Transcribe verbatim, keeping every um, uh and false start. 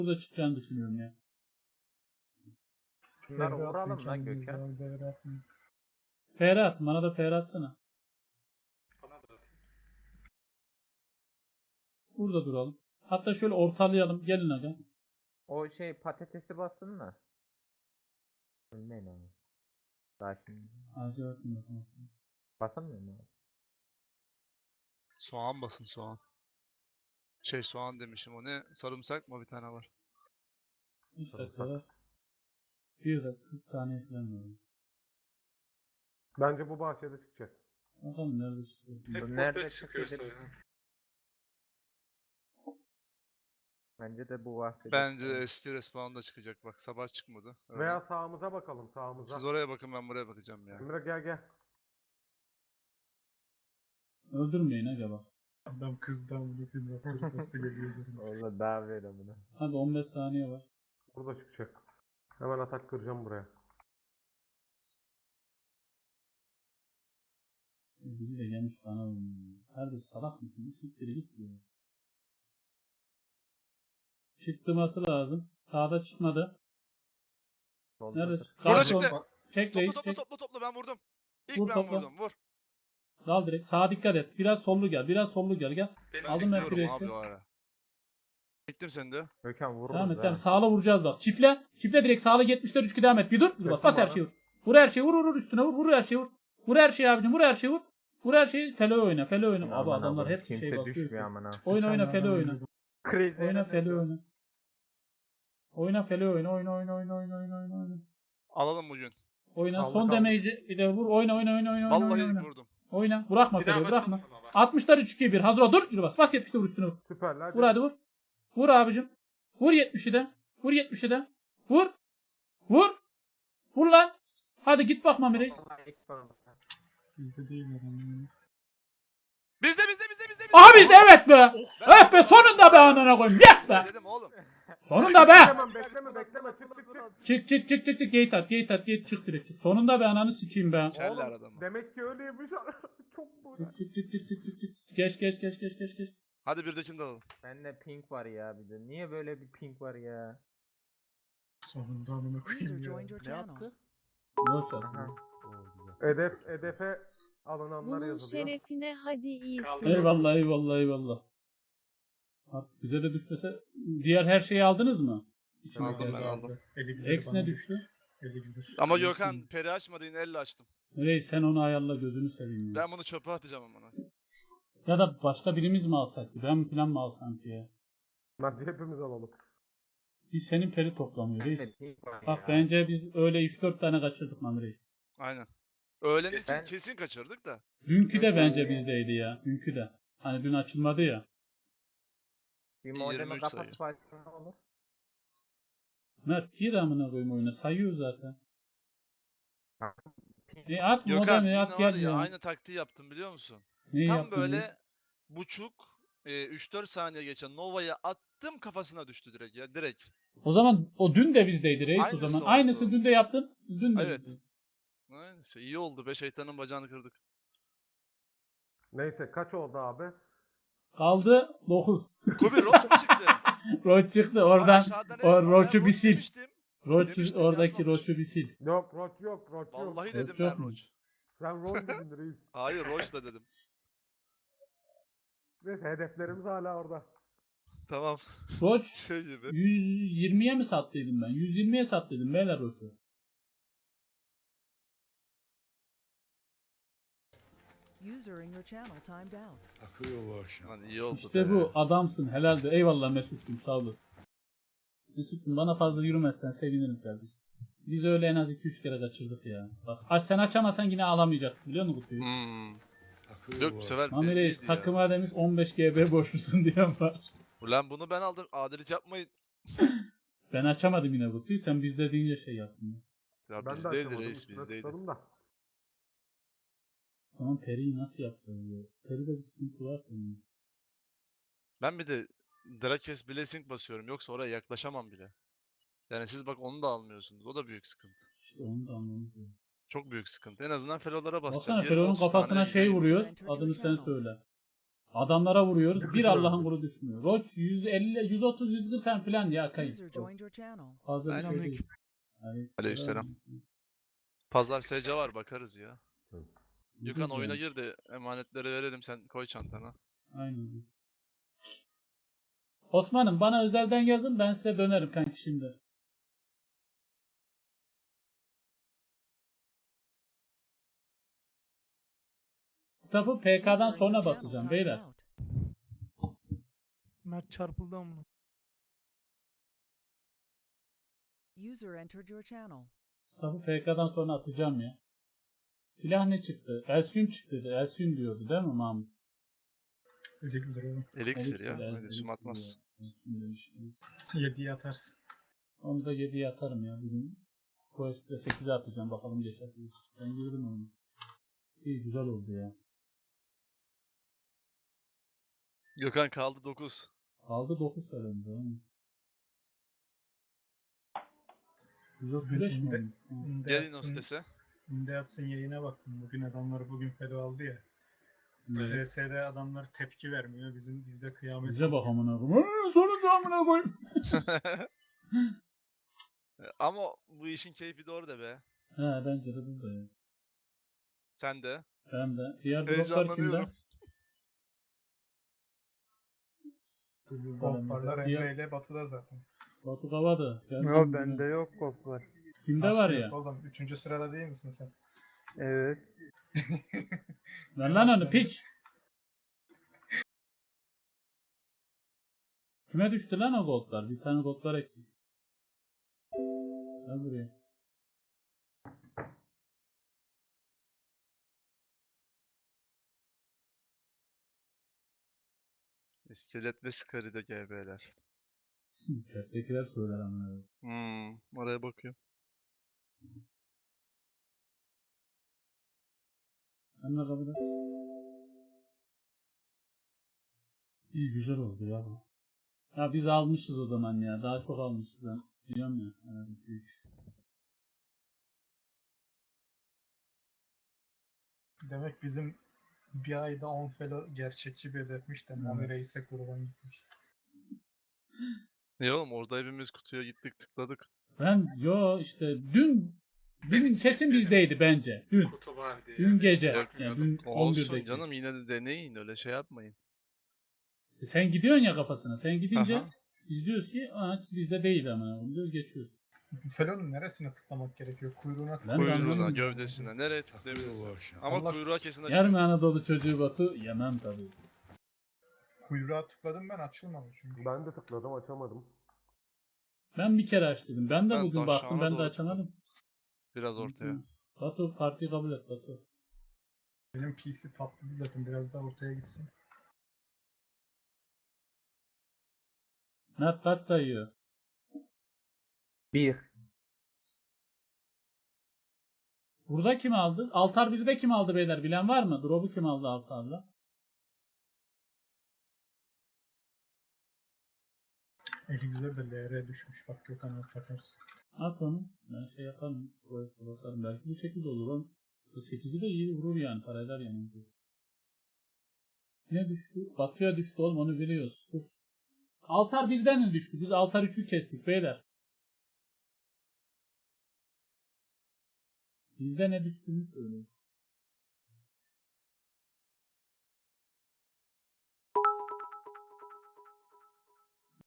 burada çıkacağını düşünüyorum ya. Şunları vuralım lan Gökhan. F R at. Bana da F R atsana. Bana da atayım. Burada duralım. Hatta şöyle ortalayalım. Gelin aga. O şey patatesi bassın mı? Ölmeyin abi. Daha şimdi. Ağzı örtmesin. Basamıyor mu abi? Soğan basın soğan. Şey soğan demişim o ne? Sarımsak mı bir tane var? üç dakika var. bir dakika kırk saniye falan var. Bence bu bahçede çıkacak. Bakalım nerede çıkıyor. Hep Bu nerede ortaya çıkıyorsa çıkıyor? ya. Bence de bu bahçede. Bence eski respawn'da çıkacak bak sabah çıkmadı. Öyle. Veya sağımıza bakalım sağımıza. Siz oraya bakın ben buraya bakacağım ya. Emre gel gel. Öldürmeyin aga bak. Adam kızdan bugün raporu taktı geliyor üzerine. Orada daha böyle bunu. Hadi on beş saniye var. Burada çıkacak. Hemen atak kıracağım buraya. Biri de gelmiş bana oynuyor. Kardeş salak mısın? Bir siktir git diyor. Çıktırması lazım. Sağda çıkmadı. Solda Nerede da- çıktı? Burada Karşı çıktı. ol- Çek Topla reis topla çek. topla topla ben vurdum. İlk Vur, ben topla. vurdum vur. Dal direkt. Sağa dikkat et. Biraz sollu gel. Biraz sollu gel. Gel. Benim Aldım ben Bekliyorum presi. abi o ara. Gittim sen de. Gökhan vururuz Devam et. ha. Devam. Sağla vuracağız bak. Çifle. Çifle direkt sağla yetmişler üç iki devam et. Bir dur. Bir bas. Kesin Bas her bana. şeyi vur. Vur her şeyi vur vur vur üstüne vur. Vur her şeyi vur. Vur her şeyi abicim. Vur her şeyi vur. Vur her şeyi. Fele oyna. Fele oyna. Abi Aman adamlar Allah'ım, hep şey kimse basıyor. düşmüyor amına. Oyna oyna Fele oyna. Crazy. Oyna Fele oyna. Oyna Fele oyna. Oyna oyna oyna oyna oyna oyna oyna. Alalım bugün. Oyna. Kaldı, Son kaldı. damage'i bir de vur. Oyna oyna oyna oyna Vallahi oyna. ilk oyna. vurdum. Oyna. Bırakma Bir daha Fele'yi bırakma. basalım ama bak. altmışlar üç iki bir. Hazır ol. Dur. Yürü bas. Bas yetmişte vur üstüne vur. Süperler. Vur hadi vur. Vur abicim. Vur yetmişi de. Vur yetmişi de. Vur. Vur. Vur lan. Hadi git bak Mami Reis. Bizde değil adam. Bizde bizde bizde bizde. bizde. Aha bizde evet be. Evet be sonunda be anana koyayım. Yes be. Dedim oğlum. Sonunda be. Bekleme bekleme bekleme çık çık çık. Çık çık çık çık çık. Gate at gate at gate çık direkt çık. Sonunda be ananı sikeyim be. Keller Oğlum, adamı. demek ki öyleymiş. Çok böyle. Çık çık çık çık çık çık çık. Geç geç geç geç geç geç. Hadi birdekini de alalım. Bende pink var ya bir de. Niye böyle bir pink var ya? Sonunda amına User koyayım ya. joined your channel. Boş at. Aha. Hedef, hedefe alınanlar Bunun yazılıyor. şerefine hadi iyisin. Kaldı. Eyvallah eyvallah eyvallah. Artık bize de düşmese diğer her şeyi aldınız mı? İçimizde. Aldım ben aldım. Eli güzel X ne düştü? Eli güzel. Ama Gökhan peri açmadı yine elle açtım. Reis sen onu ayarla gözünü seveyim ya. Ben bunu çöpe atacağım amına. Ya da başka birimiz mi alsak? Ben mi falan mı alsam ki ya? Hadi hepimiz alalım. Biz senin peri toplamıyor Bende reis. pink var Bak ya. bence biz öyle üç dört tane kaçırdık Mami Reis. Aynen. Öğlen iki Ben- kesin kaçırdık da. Dünkü de bence bizdeydi ya. Dünkü de. Hani dün açılmadı ya. Bir modemi yirmi üç sayı. kapatıp açsam ne olur? Mert gir amına koyayım oyuna. Sayıyor zaten. Ha. E at Gökhan modemi yine at var gel ya ya. aynı taktiği yaptım biliyor musun? Neyi Tam yaptın böyle reis? buçuk e, üç dört saniye geçen Nova'ya attım kafasına düştü direkt ya direkt. O zaman o dün de bizdeydi reis o Aynısı zaman. oldu. Aynısı dün de yaptın. Dün de. Evet. bizde. Neyse iyi oldu be şeytanın bacağını kırdık. Neyse kaç oldu abi? Kaldı dokuz. Kobi Roach mu çıktı? Roç çıktı Aa, oradan. aşağıda ne? O Aa, ben Roç'u bir Roach sil. demiştim. Roç demiştim, oradaki yazmamış. Roç'u bir sil. Yok roç yok roç yok. Vallahi Roach dedim yok ben mu? Roach. Sen rol dedin reis. Hayır Roach da dedim. Neyse hedeflerimiz hala orada. Tamam. Roç Şey gibi. yüz yirmiye mi sattıydım ben? yüz yirmiye sattıydım beyler Roç'u. User in your channel timed out. Lan iyi oldu İşte be. bu adamsın helaldi. Eyvallah Mesut'cum sağ olasın. Mesut'cum bana fazla yürümezsen sevinirim kardeşim. Biz öyle en az iki üç kere kaçırdık ya. Bak aç sen açamazsan yine alamayacak biliyor musun kutuyu? Hmm. Yok bu sefer Mami Reis belliydi ya. takıma demiş on beş G B borçlusun diyen var. Ulan bunu ben aldım. Adilik yapmayın. Ben açamadım yine kutuyu sen bizde deyince şey yaptın. Ya Ben de bizdeydi açamadım. reis üstüne bizdeydi. tıkladım da. Tamam Peri'yi nasıl yaptın diyor. Peri'de bir sıkıntı var senin. Ben bir de Drakes Blessing basıyorum. Yoksa oraya yaklaşamam bile. Yani siz bak onu da almıyorsunuz. O da büyük sıkıntı. İşte onu da anlamadım. Çok büyük sıkıntı. En azından felolara basacaksın. Baksana yirmi Fero'nun otuz kafasına tane şey gidiyor. vuruyor. Enter Adını your sen channel. söyle. Adamlara vuruyoruz. Bir Allah'ın kulu düşmüyor. Roach yüz elli, yüz otuz, yüz kırk falan ya kayın. User joined your channel. Fazla bir şey değil. Selamünaleyküm. Aleykümselam. Pazar S C var bakarız ya. Gökhan Ucuz oyuna yani. gir de emanetleri verelim sen koy çantana. Aynen. biz. Osman'ım bana özelden yazın ben size dönerim kanki şimdi. Staff'ı P K'dan User in your sonra channel basacağım timed beyler. out. Mert çarpıldı amına. User entered your channel. Staff'ı P K'dan sonra atacağım ya. Silah ne çıktı? Elsin çıktı dedi. Elsin diyordu değil mi Mahmut? Elixir oğlum. Elixir ya. Elixir, Öyle Elixir sum atmaz. ya. Elsin demiş. yediye atarsın. Onu da yediye atarım ya bugün. Quest'e sekize atacağım bakalım geçer. Ben girdim onu. İyi güzel oldu ya. Gökhan kaldı dokuz. Aldı dokuz söylendi. yüz otuz beş mi Ünde- olmuş? Hı. Ünde Gelin o atsın, sitese. Ünde atsın yayına baktım. Bugün adamlar bugün feda aldı ya. Evet. R S'de adamlar tepki vermiyor. Bizim bizde kıyamet. Bize bak amına koyayım. Aa, Sonunda amına koyayım. Ama bu işin keyfi de orada be. He bence de burada ya. Sen de. Ben de. Diğer droplar kimde? Heyecanlanıyorum. Golparlar Diğer- Emre ile Batu'da zaten. Batu Kavada. Ben Yo bilmiyorum. bende yok koplar. Kimde Nasıl var yok ya? Oğlum üçüncü sırada değil misin sen? Evet. Ver lan onu piç. Kime düştü lan o goldlar? Bir tane goldlar eksik. Gel buraya. İskelet ve Skari'de G B'ler. Chat'tekiler söyler ama. Hmm, oraya bakıyorum. Sen ne kabul et? İyi güzel oldu ya bu. Ya biz almışız o zaman ya. Daha çok almışız ben. Biliyorum ya. Evet, iki üç. Demek bizim bir ayda on felo gerçekçi bir hedefmiş de Mami Evet. Reis'e kurban gitmiş. Ne oğlum orada hepimiz kutuya gittik tıkladık. Ben yo işte dün dün sesim bizdeydi bence. Dün. Kutu var diye. Dün gece. Hiç Yani bakmıyordum. dün on Olsun birdeki. canım yine de deneyin öyle şey yapmayın. Sen gidiyorsun ya kafasına. Sen gidince Aha. biz diyoruz ki aa bizde değil ama. Diyoruz geçiyoruz. Bu felonun neresine tıklamak gerekiyor? Kuyruğuna Ben de tıklamak. Kuyruğuna, anlamadım. gövdesine, nereye tıklayabilirsin. Ama Allah- kuyruğa kesin Yer açıyor. mi Anadolu çocuğu Batu? Yemem tabii. Kuyruğa tıkladım ben açılmadı çünkü. Ben de tıkladım açamadım. Ben bir kere aç dedim. Ben de Ben bugün de baktım aşağına ben de doğru açamadım. Biraz ortaya. Batu partiyi kabul et Batu. Benim P C patladı zaten biraz daha ortaya gitsin. Mert kaç sayıyor? Bir. Burada kim aldı? Altar birde kim aldı beyler? Bilen var mı? Drop'u kim aldı Altar'la? Elixir de L R düşmüş. Bak Gökhan alt takarsın. At onu. Ben şey yaparım. Burası basarım. Belki bu sekiz olur lan. Bu sekizi de iyi vurur yani. Para eder yani. Ne düştü? Batu'ya düştü oğlum onu biliyoruz. Dur. Altar birden mi düştü? Biz Altar üçü kestik beyler. Bizde ne düştüğünü söyleyin.